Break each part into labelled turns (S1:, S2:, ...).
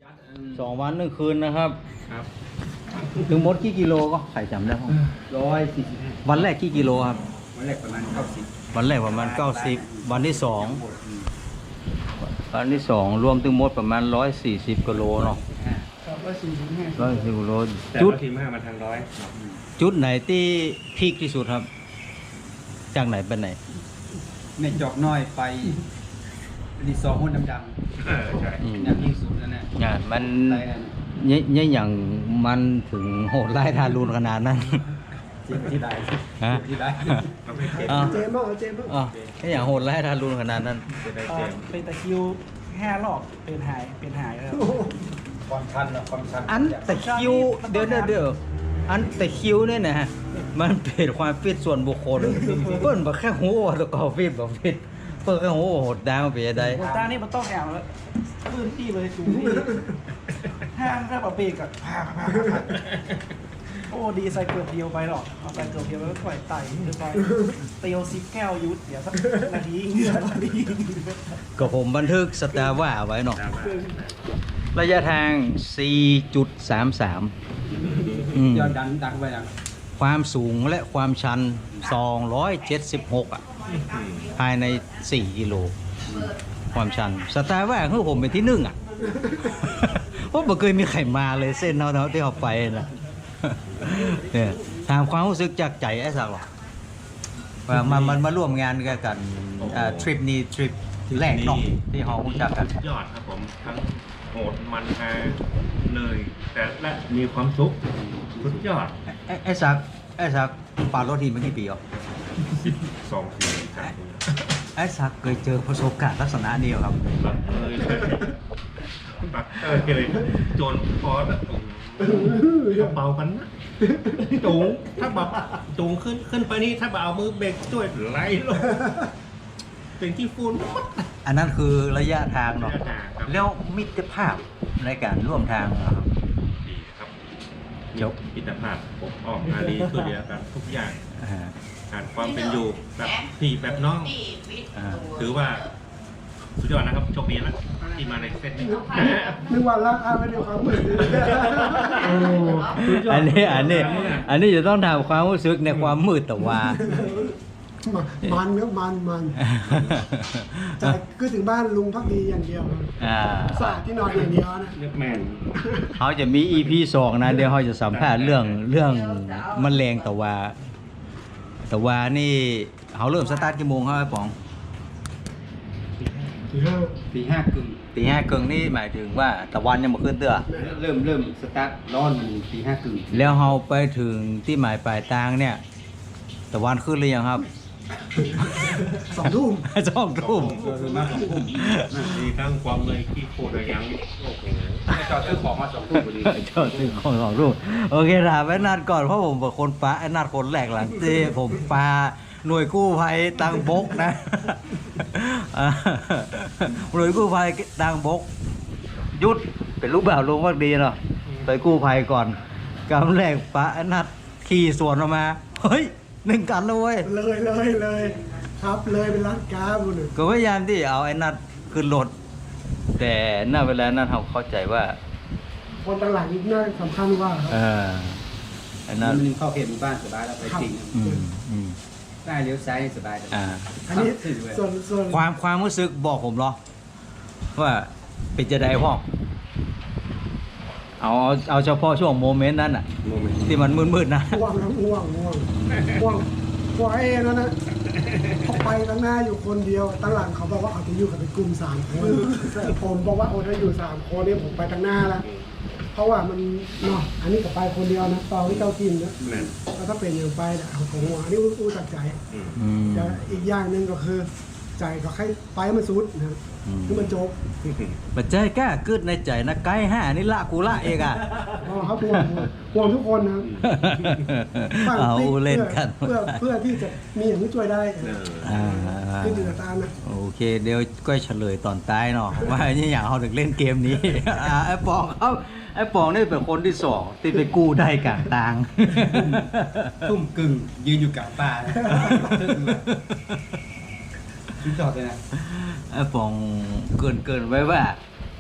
S1: 2 วัน 1 คืนนะครับ
S2: ครับ
S1: ถึงหมดกี่กิโลก็ใครจำได้บ้าง
S3: 145
S1: วันแรกกี่กิโลครับ
S3: วันแรกประมาณ90
S1: วันแรกประมาณ90วันที่2รวมถึงหมดประมาณ140กิโลเนาะ
S3: ครับ145
S1: 140กิโล
S2: แต่
S1: จุด
S2: ว่าทีมห้ามาทางร้อย
S1: จุดไหนที่พีคที่สุดครับ จากไหนไปไหน
S3: ในจอกน้อยไปรีสอร์ทหุ้นดำ
S2: ใช่
S1: อืม
S3: ๆอย่างที่สุดนั่นแหละ
S1: งานมัน
S3: ไรนั่น
S1: เนี่ยอย่างมันถึงโหดไล่ทารุณขนาดนั้น
S3: เจ็บที่ใด
S1: ฮะ
S3: ที่ใด
S2: ประเภทเกม
S1: อ้าว
S4: เจมส์เจมส์
S1: อ๋ออย่างโหดไล่ทารุณขนาดนั้น
S2: จะได้เกม
S4: เป็นตะคริว5 รอบเป็นหายแล้ว
S3: ความชันนะความชัน
S1: อันแต่คิวเดี๋ยวอันแต่คิวเนี่ยนะฮะมันเป็นความฟิตส่วนบุคคลเปิ้นบอกแค่หูว่าตัวกอฟิตบอกฟิตเปิ้นแค่หูว่าโหดดาวไปยังไง
S4: โอ้ตานี่มันต้องแอวแล้วพื้นที่เลยสูงที่ห้างแค่ปะเบรกอะโอ้ดีใส่เกือบเดียวไปหรอกเอาใส่เกือบเดียวแล้วปล่อยไต่ขึ้นไปเตียว10 แก้วยุดเดี๋ยวสักนาที
S1: ก็ผมบันทึกสตาร์ว่าไว้เนาะ
S2: ดราม่า
S1: ระยะทาง 4.33
S3: ยอดดังไปดัง
S1: ความสูงและความชัน 276 อ่ะ ภายใน 4 กิโล ความชัน สตาร์ว่าคือผมเป็นที่หนึ่งอ่ะ เพราะไม่เคยมีใครมาเลยเส้นเท่าที่เขาไปนะเนี่ยถามความรู้สึกจากใจไอ้สักหรอว่ามันมาร่วมงานกันทริปนี้ทริปแรกเนาะที่เขารู้จักกัน
S2: ยอดครับผมทั้งโหดมันฮาเหนื่อยแต่และมีความสุขสุดยอด
S1: ไอ้สักปาดรถทีมมากี่ปีอ่ะ
S2: 2 ปีครับ
S1: ไอ้สักเคยเจอประสบการณ์ลักษณะนี้เหรอครับ
S2: บักเลยโจนพอแล้วเบากันนะจูงถ้าแบบจูงขึ้นไปนี่ถ้าแบบเอามือเบรกช่วยไหลลงเป็นที่ฟูน
S1: อันนั้นคือระยะทางเนาะ
S2: ระยะทางครับ
S1: แล้วมิตรภาพในการร่วมทางเหรอครับ
S2: ดีครับ
S1: ยก
S2: มิตรภาพปกป้องอารีช่วยเหลือกันทุกอย่าง
S1: อ่า
S2: การความเป็นอยู่แบบพี่แบบน้อง
S1: อ่า
S2: ถือว่าสุดยอดนะครับโชคดีนะที่มาในเซตนี้
S4: นึกว่ารักอาไม่เดียวความมืด
S1: อันนี้จะต้องถามความรู้สึกในความมืดแต่ว่า
S4: มันเนื้อมันแต่คือถึงบ้านลุงพักดีอย่างเดียว
S1: อ่า
S4: สาดที่นอนอย่างเดียวนะ
S2: เลือกแมน
S1: เขาจะมี EP 2 นะเดี๋ยวเขาจะสัมภาษณ์เรื่องแมลงแต่ว่านี่เขาเริ่มสตาร์ทกี่โมงครับไอ้ป๋อง
S3: ตีห้ากึ่ง
S1: ตี 5 ครึ่งนี่หมายถึงว่าตะวันยังบ่ขึ้นเตื้อ
S3: เริ่มสตาร์ทร้อนตีห้ากึ่ง
S1: แล้วเราไปถึงที่หมายปลายทางเนี่ยตะวันขึ้นหรือยังครับ
S4: 2 ทุ่ม
S1: 2 ทุ่ม
S3: คือมา2 ทุ่ม
S2: มีทั้งความเลยที่โคตรยังโอ้โห
S3: จอดซื้อของมา2 ทุ่มพอดี
S1: จอดซื้อของ2 ทุ่มโอเคถามไอ้นัดก่อนเพราะผมเป็นคนปลาไอ้นัดคนแรกหลังที่ผมปลาหน่วยกู้ภัยตังบกนะ หน่วยกู้ภัยตังบกหยุดเป็นลูกบ่าวลงวักดีเนาะไปกู้ภัยก่อนกำแรกปลาไอ้นัดขี่สวนออกมาเฮ้ย1 กันแล้วเว้ย
S4: เลยครับเลยเป็นร้านค้าบุญ
S1: ก็พยายามที่เอาไอ้นัดขึ้นรถแต่หน้าเวลานั้นเราเข้าใจว่า
S4: คนต่างหลังนี่น่าสำคัญว่า
S1: ไอ้นัด
S3: มันเข้าเขตหมู่บ้านสบายแล้วไปจริง
S1: อืม
S3: ได้เลี้ยวซ้ายสบายเลย
S4: อันนี้ส่วน
S1: ความรู้สึกบอกผมเหรอว่าเป็นจะได้พ่อเอาเฉพาะช่วงโมเมนต์นั้นอ่ะ
S3: โมเมนต์
S1: ที่มันมืดๆนะ
S4: ง่วงไอ้นั่นนะเขาไปตั้งหน้าอยู่คนเดียวตั้งหลังเขาบอกว่าเขาจะอยู่กันเป็นกลุ่ม3 คนผมบอกว่าโอ้ถ้าอยู่3 คนเนี่ยผมไปตั้งหน้าแล้วเพราะว่ามันเนาะอันนี้ก็ไปคนเดียวนะตอนที่เจ้ากินนะ
S2: แมน
S4: แล้วถ้าเป็นอย่างไปเนี่ยเอาของหัวอันนี้อู้ตัดใจ
S2: อืม
S4: แต่อีกอย่างหนึ่งก็คือ ใจก็ให้ไปมันสุดนะคือมันจบ
S1: ปัจจัยกล้าเกิดในใจนะไกด์5นี่ละกูละเองอ่ะ
S4: อ๋อครับห่วงทุกคนนะครับ
S1: เอาเล่นกัน
S4: เพื่อที่จะมีอย่างที่ช่วยได้ ขึ้นอยู่กับตามนะ
S1: โอเคเดี๋ยวก็เฉลยตอนท้ายเนาะ ว่าอย่างเขาถึงเล่นเกมนี้ ไอ้ปองครับไอ้ปองนี่เป็นคนที่2ที่ไปกู้ได้กลางทาง
S3: ทุ่มกึ่งยืนอยู่กลางป่าชุดจอดเลยนะ
S1: ไอ้ปองเกินไว้ว่า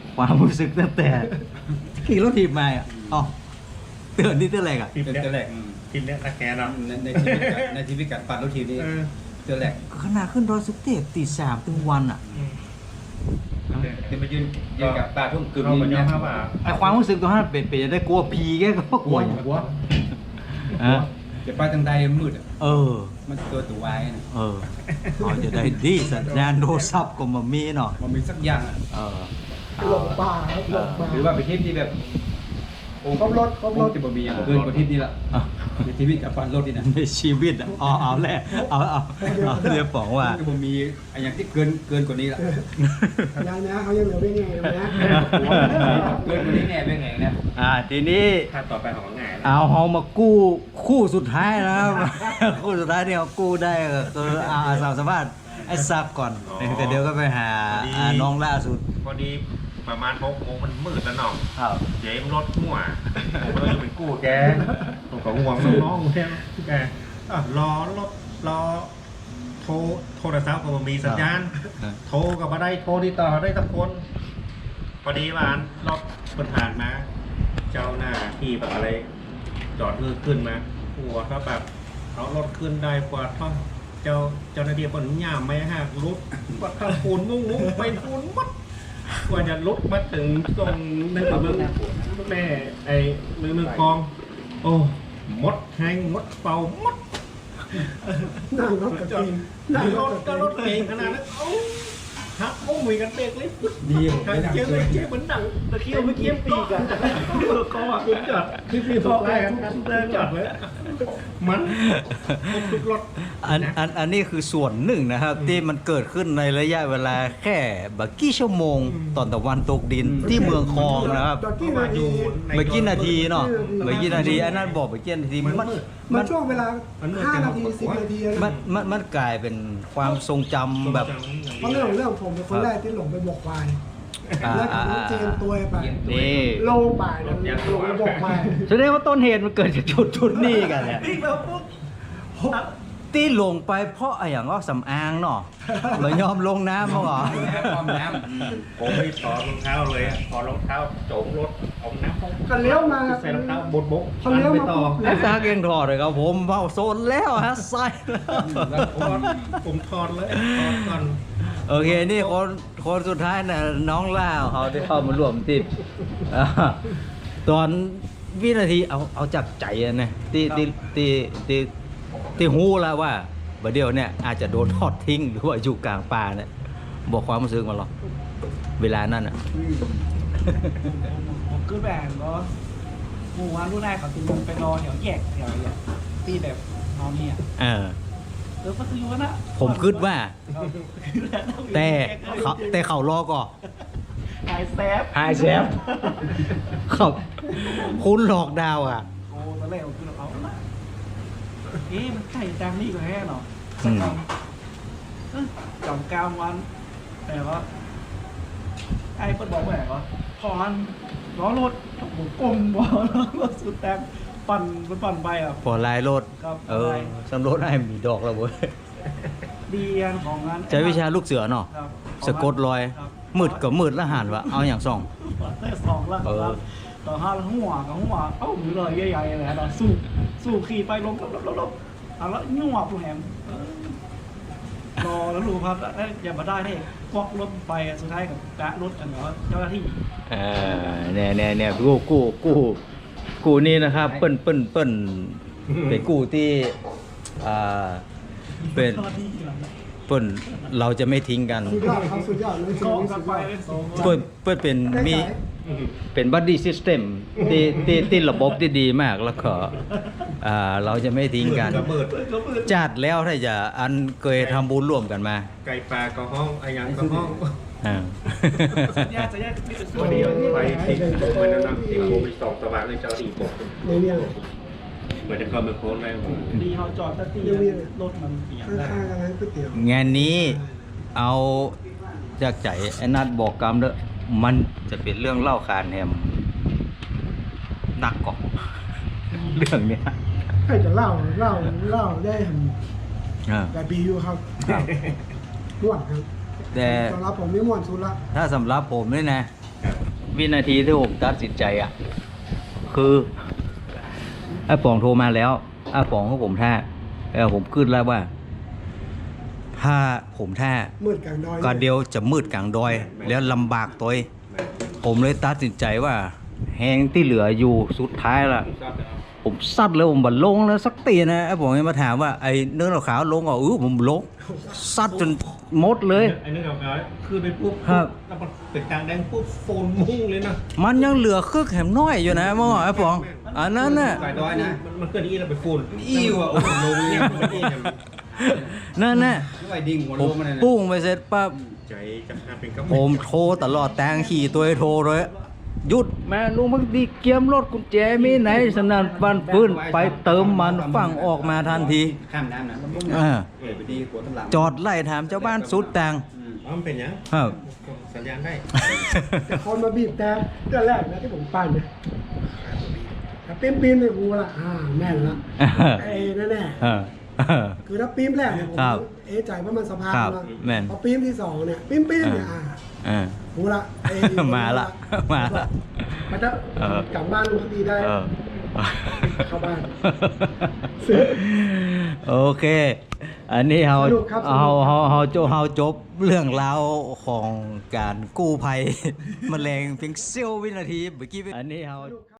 S1: ความรู้สึกตั้งแต่ขี่รถถีบมาอ่ะอ๋อเตือนนี่เตือนอะไรอ่ะ
S2: ทีม
S3: เตือน
S2: เนี้ย
S3: แรก
S2: ทีมเนี้ยตะแกเนาะ
S3: ในชีวิตการปั่นรถทีมนี่
S2: เออ
S3: เตือนแรก
S1: ขนาดขึ้นดอยสุเทพตี 3ถึงวันอ่ะ
S3: เป็นมายืนกับปลาทุ่งกึ่ง
S2: เราเหมือน
S3: นี่
S2: ยอ
S3: เนี่ย
S2: มรับว่า
S1: ไอความรู้สึกตรงนั้นเป็นจะได้กลัวผีแกก็กลัวอยู่
S3: หัว
S1: อ่ะ
S3: จะไปทางใดมืดอ่ะ
S1: เออ
S3: มันตัววายนะ
S1: เออเขาจะได้ดีสัญญาณโทรศัพท์ก็มามีเนาะ
S3: มันมีสักอย่างอ่ะ
S1: เออ
S4: หลงป่าครับหลงป่า
S3: หรือว่าไปทริปที่แบบ
S4: ครบรถครบรถ
S3: จะบ่มีอย่างเกินกว่าทริปนี้ละ
S1: อ่ะ
S3: ในชีวิตกับปั่นรถนี่นะ
S1: ในชีวิตอ่ะเอาแหละเอาเดี๋ยวบอกว่า
S3: จะบ่มีอะไรอย่างที่เกินกว่านี้ละ
S4: ยังนะเขายังเหลือไม่ไงนะ
S3: เกินกว่านี้แน่เป็นไงนะ
S1: ทีนี้
S2: ถ้าต่อไปของง่ายนะ
S1: เอาเฮามากู้คู่สุดท้ายแล้ว คู่สุดท้ายที่เรากู้ได้ก็คือสาวสมบัติไอ้ซับก่อนแต่เดี๋ยวก็ไปหาน้องล่าสุด
S2: พอดีประมาณ6 โมงมันมืดแล้วเนาะ
S1: ครับ
S2: เจมรถมั่วผมเลยเป็นกู้แกผมก็ห่วงน้องๆเนี่ยแกอ่ะรอรถรอโทรศัพท์ก็บ่มีสัญญาณ โทรก็บ่ได้โทรติดต่อได้ทุกคนพอดีว่ารถคนผ่านมา เจ้าหน้าที่แบบอะไร จอดขึ้นมาหัวเขาแบบเอารถขึ้นได้กว่าท่อนเจ้าหน้าที่คนย่ามไม่หักรุดว่าถ้าปูนงุ้งไปปูนมัดกว่าจะลุกมาถึงตรงในเมืองแม่ไอ้เมืองกอง โอ้มดแห้งมดเป่ามด
S4: นั่งรถกับ
S2: จอด
S4: กิน
S2: นั่
S4: นั่
S2: ง
S4: ง
S2: ร
S4: ร
S2: ถ
S4: ถ
S2: ก็
S4: กับ
S2: ร
S4: กิ
S2: ถ
S4: น
S2: เก่งขนาดนั้นเอ้าหักมุ้งมีกันเบรกเลย
S3: ดี
S2: ทางเจี๊ยบเลยเจี๊ยบเหมือนหนังตะเคียวเมื่อกี้ปีกันก็คุณจอดพี่พอไล่กันจอดไว้มันทุกรถ
S1: อันนี้คือส่วนหนึ่งนะครับ ที่มันเกิดขึ้นในระยะเวลาแค่บักกี่ชั่วโมงตอนตะวันตกดินที่เมืองคองนะครับ
S4: ตะกี้นาที
S1: เมื่อกี้นาทีเนาะเมื่อกี้นาทีอันนั้นบอกเมื่อกี้นาทีมัน
S4: มันช่วงเวลา5 นาที 10 นาทีนะ
S1: มันกลายเป็นความทรงจำแบบ
S4: เพราะเรื่องผมเป็นคนแรกที่หลงไปบอกควายแล้วผมเจนตัวไป
S1: นี่
S4: โลป่ายนั้นหลงไปบอกควาย
S1: แสดงว่าต้นเหตุมันเกิดจากจุดนี้กันเนี่ยที่ลงไปเพราะอะไรอย่างว่าสำอางเนาะเลยยอมลงน้ำมั้งเหรอ
S3: ความน้
S2: ผมไม่ถอดรองเท้าเลยอะถอดรองเท้าโจมรถเอาน้ำ
S4: กันเลี้ยวมา
S2: ใส่รองเท้าบดบก
S4: เขาเลี้ยวมาปุ๊บ
S1: ไอ้ตาเก่งถอดเลยครับผมเมาโซนแล้วฮะใส่แล้ว
S2: ผมถอดเลยถอดก่อน
S1: โอเคนี่คนสุดท้ายน่ะน้องล่าเขาที่เข้ามาร่วมติดอ่าตอนวินาทีเอาจับใจอะนะที่หูแล้วว่าบัดเดียวเนี่ยอาจจะโดนทอดทิ้งหรือว่าอยู่กลางป่าเนี่ยบอกความรู้สึกมาหรอเวลานั้นอ่ะ
S5: ผมคือแบบก็หมู่วันรุ่นแรกเขาจะลงไปรอแถวแยกแถวเนี่ยที่แบบนอนเนี่ย
S1: เออ
S5: ก็คือว่านะ
S1: ผมคิดว่า แต่เขารอก่อน
S5: หายแซฟ
S1: หายแซฟ ครับคุณหลอกดาวอ่ะ
S5: โอ้ตอนแรกผมคือเอาละเอ๊ะมันไก่จังนี่ก็แค่เนาะ
S1: อืม
S5: จอมกลางวันแต่ว่าไอ้เปิดบอกว่าไงวะพรล้อรถผมกลมบอล้อรถสุดแรงปั่นไปอ่ะ
S1: พอลายรถ
S5: ครับ
S1: เออ
S5: ลาย
S1: สำรถให้มีดอกแล้วเว้ย
S5: ดีอันของงาน
S1: ใช้วิชาลูกเสือเนาะ
S5: ครับ
S1: สะกดรอย
S5: ครับ
S1: มืดกับมืดแล้วหันวะเอาอย่างส่อง
S5: ได้สองแล้ว
S1: เออ
S5: ต่อห้าแล้วหัวกับหัวเอ้าหรือเลยใหญ่ๆเลยนะสู้ขี่ไปลงลบเอาแล้วงัวผู้แหมรอแล้วรู้ครับแล้วอย่ามาได้ให้กวักรถไปอ่ะสุดท้ายกับกะรถอันเนาะเจ้าหน้าที่
S1: เนี่ยกู้นี่นะครับ เปิ้นเป็นกู้ที่เป็น
S5: เจ้าหน้าที่อะไร
S1: เปิ้นเราจะไม่ทิ้งกัน
S4: สุดยอดครับสุดยอดเลย
S5: กองกันไปเป็นสอง
S1: เปิ้นเป็นมีเป็นบัดดี้ซิสเต็มที่ระบบที่ดีมากแล้วก็เราจะไม่ทิ้งกัน
S2: กระเบิด
S1: จัดแล้วถ้าจะอันเคยทำบุญร่วมกันมา
S2: ไก่ปลาก็ห้องไอ้ยังก็ห้อง
S1: อ่า
S5: สัญญาจะแยกที่เป็นส่
S2: วั
S5: วน น
S2: นี้
S5: เดียว
S2: ไปติดโมไปนั่นนะติดโมไปสองสว่างเลยเจ้าตีผม
S4: ในเนี่ย
S2: เหมือนจะเข้ามาโค้งได้ผม
S5: ดีเขาจอดตัดตีรถมันเสียได้
S4: ข้างๆกันนั้นก๋วยเตี๋ยว
S1: งานนี้เอาจากใจไอ้นัดบอกกรรมเด้อมันจะเป็นเรื่องเล่าคานแฮมหนักกว่าเรื่องเนี้ย
S4: ให้จะเล่าได้
S1: อ่า
S4: แต่บีอยู่ครับม่วนครับ
S1: แต่
S4: สำหรับผมนี่ม่วนสุดละ
S1: ถ้าสำหรับผมนี่นะวินาทีที่ผมตัดสินใจอ่ะ คือไอ้ป๋องโทรมาแล้วไอ้ป๋องให้ผมท่าผมขึ้นแล้วว่า ถ้าผมท่า
S4: มืดกลางดอย
S1: ก็เดียวจะมืดกลางดอย แล้วลำบากตัวเองผมเลยตัดสินใจว่า แหงที่เหลืออยู่สุดท้ายละผมซัดเลยผมบัดลงแล้วสักตีนะไอ้ผมมาถามว่าไอ้เนื้อขาวลงอ่ะผมลงซัดจนหมดเลย
S2: ไอ้นึกเอาคือไปปุ๊บ
S1: ครับ
S2: แล้วมันเป็นกลางแดงปุ๊บโฟนมุ่งเลยนะ
S1: มันยังเหลือครึ่งแหมน้อยอยู่นะเมื่อวานไอ้ป๋องอันนั้นน่ะ
S3: ไก่ดอยนะ
S2: มันเกิดอีแล้วไปโฟน
S3: อิ่วอ่ะโอ้โหลง
S2: เนี่
S3: เนี่ย ย
S2: มันเอง
S1: นั่นน่ะ
S3: ด้วยดิ่งหัว
S1: ผ
S3: ล
S1: ม
S3: งมาเลยนะ
S1: ปุ้งไปเสร็จปั๊บ
S2: ใจจะหาเป็นกำ
S1: ผมโทรตลอดแตงขี่ตัวโทรเลยหยุดแม่ลุงมึงดีเกียมรถกุญแจมีไหนสนั่นปันปืนไปเติมมันฟังออกมาทันที
S3: ข้ามน้ำนะ ไปดีกว่าทั้งหลัง
S1: จอดไล่ถามเจ้าบ้านสุดแตง
S2: อ๋อมันเป็นยัง
S1: ครับ
S2: สัญญาณได้
S4: แต่คนมาบีบแต่เรื่องแรกนะที่ผมปั่นเนี่ยถ้าปีนเนี่ยกูละแม่นละไอ้แน่แน่
S1: เออ
S4: คือถ้าปีนแรกเนี่ยผม
S1: ครับ
S4: เอะใจว่ามันสะพาน
S1: ครับ
S4: ละ
S1: แม่น
S4: พอปีนที่สองเนี่ยปีนเนี่ยกูละไอ้
S1: มาละมาละ
S4: มันจะกลับบ้านรู้คดีได้
S1: เออ
S4: เข้าบ้าน
S1: โอเค อันนี้
S4: สนุกครับสนุก
S1: เฮาจบเรื่องราวของการกู้ภัย แมลงเพียงเสี้ยววินาทีเมื่อกี้อันนี้เฮา